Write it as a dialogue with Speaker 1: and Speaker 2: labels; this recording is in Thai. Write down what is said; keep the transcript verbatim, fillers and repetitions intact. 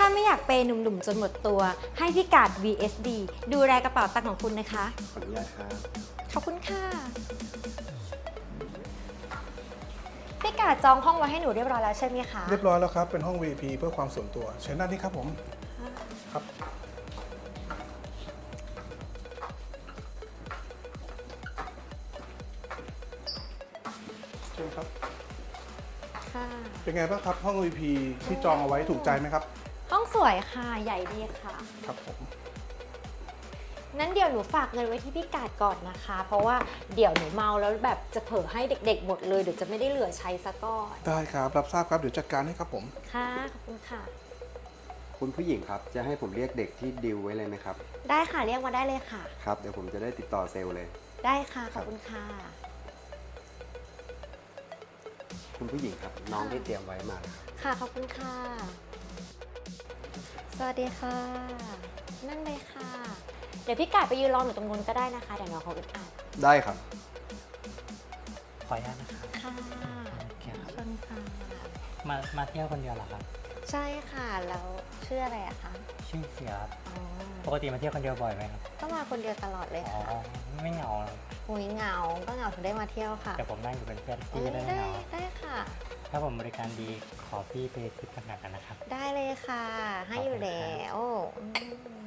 Speaker 1: ไม่อยากเปย์หนุ่มๆจนหมดตัวให้พี่กาด วี เอส ดี ดูแลกระเป๋าตังค์ของคุณนะคะ
Speaker 2: ขออนุญาตครับ
Speaker 1: ขอบคุณค่ะพี่กาดจองห้องไว้ให้หนูเรียบร้อยแล้วใช่ไหมคะ
Speaker 3: เรียบร้อยแล้วครับ เป็นห้อง วี ไอ พี เพื่อความส่วนตัวเชิญด้านนี้ครับผม ครับ เชิญครับ
Speaker 1: ค่ะ
Speaker 3: เป็นไงบ้างครับ ห้อง วี ไอ พี ที่จองเอาไว้ถูกใจไหมครับ
Speaker 1: ห้องสวยค่ะใหญ่ดีค่ะ
Speaker 3: ครับผม
Speaker 1: นั้นเดี๋ยวหนูฝากเงินไว้ที่พี่กาดก่อนนะคะ เพราะว่าเดี๋ยวหนูเมาแล้วแบบจะเผลอให้เด็กๆหมดเลยเดี๋ยวจะไม่ได้เหลือใช้ซะก่อน
Speaker 3: ได้ครับ รับทราบครับ เดี๋ยวจัดการให้ครับผม
Speaker 1: ค่ะขอบคุณค่ะ
Speaker 2: คุณผู้หญิงครับ จะให้ผมเรียกเด็กที่ดิวไว้เลยไหมครับ
Speaker 1: ได้ค่ะเรียกมาได้เลยค่ะ
Speaker 2: ครับ เดี๋ยวผมจะได้ติดต่อเซลล์เลย
Speaker 1: ได้ค่ะขอบคุณค่ะ
Speaker 2: คุณผู้หญิงครับ น้องที่เตรียมไว้มาแล้วครับ
Speaker 1: ค่ะขอบคุณค่ะ สวัสดีค่ะ นั่งเลยค่ะ เดี๋ยวพี่กาดไปยืนรอหนูตรงนู้นก็ได้นะคะเดี๋ยวน้องเขาอึดอัด
Speaker 2: ได้ครับ
Speaker 4: ขออนุญาตนะครับ
Speaker 1: ค่ะ
Speaker 4: โอเคครับ
Speaker 1: ขอบคุณค่ะ
Speaker 4: มามาเที่ยวคนเดียวเหรอครับ
Speaker 1: ใช่ค่ะแล้วชื่ออะไรอะคะ
Speaker 4: ชื่อเสียครับ
Speaker 1: อ๋อ
Speaker 4: ปกติมาเที่ยวคนเดียวบ่อยไหมครับ
Speaker 1: ก็มาคนเดียวตลอดเลย
Speaker 4: อ๋อ
Speaker 1: ค่ะ
Speaker 4: ไม่เหงาหรอก
Speaker 1: หุยเหงา ก็เหงาถึงได้มาเที่ยวค่ะ
Speaker 4: แต่ผมนั่งอยู่เป็นเพื่อนพี่
Speaker 1: เอ้ย
Speaker 4: จะได้ไม่
Speaker 1: ได้
Speaker 4: เหงา
Speaker 1: ได้ค่ะ
Speaker 4: ถ้าผมบริการดีขอพี่ไปทิปต่างหากกันนะครับ
Speaker 1: ได้เลยค่ะ ให้อยู่แล้วอืม